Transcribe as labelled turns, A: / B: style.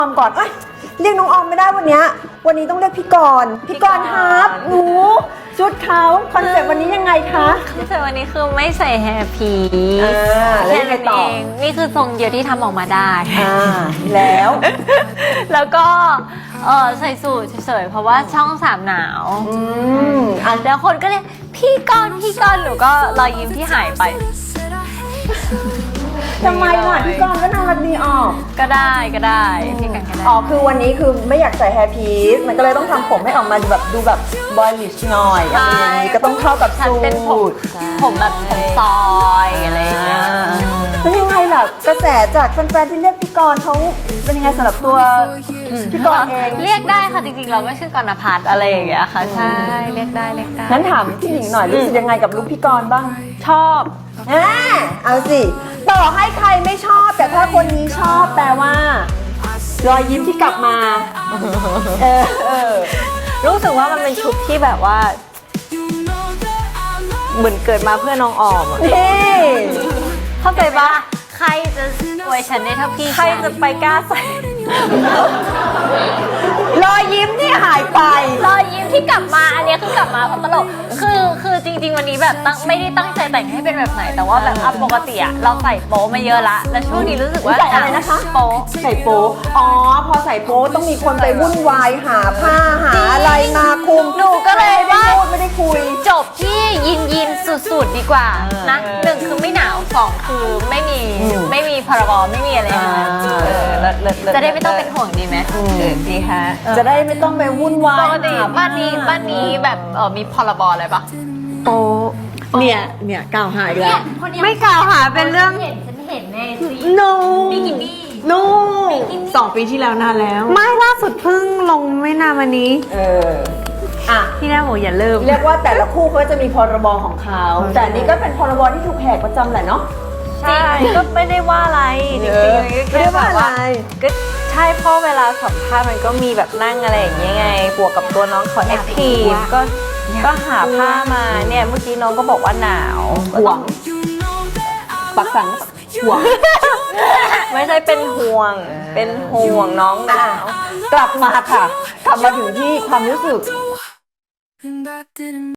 A: อมก่อนเรียกน้องออมไม่ได้วันนี้ต้องเรียกพี่กรณ์ครับหนูชุดเขาคอนเซ็ปต์วันนี้ยังไงคะ
B: คอนเซ็ปต์วันนี้คือไม่ใส่แฮร์พี
A: แล้วยังไงต่อ
B: นี่คือทรงเดียวที่ทำออกมาได้
A: แล้ว
B: แล้วก็ใส่สูทเฉยๆเพราะว่าช่องสามหนาวแล้วคนก็เรียกพี่กรณ์หนูก็รอยยิ้มที่หายไป
A: ทำไมล่ะพี่กรณ์ก็น่ารักดีออก
B: ก็ได้พี่กันก็ได้
A: คือวันนี้คือไม่อยากใส่แฮร์พีซมันก็เลยต้องทำผมให้ออกมาแบบดูแบบบอยลิชหน่อยอะไรอย่างนี้ก็ต้องเข้ากับสูท
B: ผมแบบผมซอยอะไรอย่างเงี้ย
A: แล้วยังไงล่ะกระแสจากแฟนๆที่เรียกพี่กรณ์เขาเป็นยังไงสำหรับตัวพี่กรณ์เอง
B: เรียกได้ค่ะจริงๆเราไม่ชื่อกรณพัฒน์อะไรอย่างเงี้ยค่ะใช่เรียกได้
A: งั้นถามพี่หญิงหน่อยรู้สึกยังไงกับลุคพี่กรณ์บ้าง
B: ชอบ
A: เอาสิต่อให้ใครไม่ชอบแต่ถ้าคนนี้ชอบแปลว่ารอยยิ้มที่กลับมา
C: รู้สึกว่ามันเป็นชุดที่แบบว่าเหมือนเกิดมาเพื่อน้องออม
B: เข้าใจปะใครจะอวยฉันได้เท่าพี่
C: ใครจะไปกล้าใส่
A: รอยยิ้มที่หายไป
B: รอยยิ้มที่กลับมาอันนี้คือกลับมาเพราะตลกคือจริงๆวันนี้แบบไม่ได้ตั้งใจแต่งให้เป็นแบบไหนแต่ว่าแบบปกติอะเราใส่โป๊มาเยอะละแล้วช่วงนี้รู้สึกว่า
A: ใส่อะไรนะคะ
B: โป๊
A: ใส่โป๊พอใส่โป๊ต้องมีคนไปวุ่นวายหาผ้าหาอะไรมาคุม
B: หนูก็เลยว่า
A: ไม่ได้คุย
B: จบที่ยินสุดๆดีกว่านะ1คือไม่หนาว2คือไม่มีพรบไม่มีอะไรจะได้ไม่ต้องเป็นห่วงดีไหม
C: ดีฮะ
A: จะได้ไม่ต้องไปวุ่นวาย
B: ปกติบ้านนี้แบบมีพรบอะไรปะ
A: โอ้เนี่ยกล่าวหาอีกแล้ว
C: ไม่กล่าวหาเป็นเรื่อง
B: ฉันเห็นใน
C: บิกินี่2 ปีที่แล้วนานแล้วไม่ล่าสุดเพิ่งลงไม่นานวันนี้พี่แม่บอกอย่าเริ่ม
A: เรียกว่าแต่ละคู่เขาจะมีพรบของเขาแต่นี่ก็เป็นพรบที่ถูกแหกประจำแหละเนาะ
C: ใช่ก็ไม่ได้ว่าอะไรจริงๆแค่แบบว่าก็ใช่เพราะเวลาสัมภาษณ์มันก็มีแบบนั่งอะไรอย่างเงี้ยไงบวกกับตัวน้องเขาแอคทีฟก็หาผ้ามาเนี่ยเมื่อกี้น้องก็บอกว่าหนาว
A: ห่วงปักสังห่วง
C: ไม่ใช่เป็นห่วงน้องหนาว
A: กลับมาค่ะกลับมาถึงที่ความรู้สึก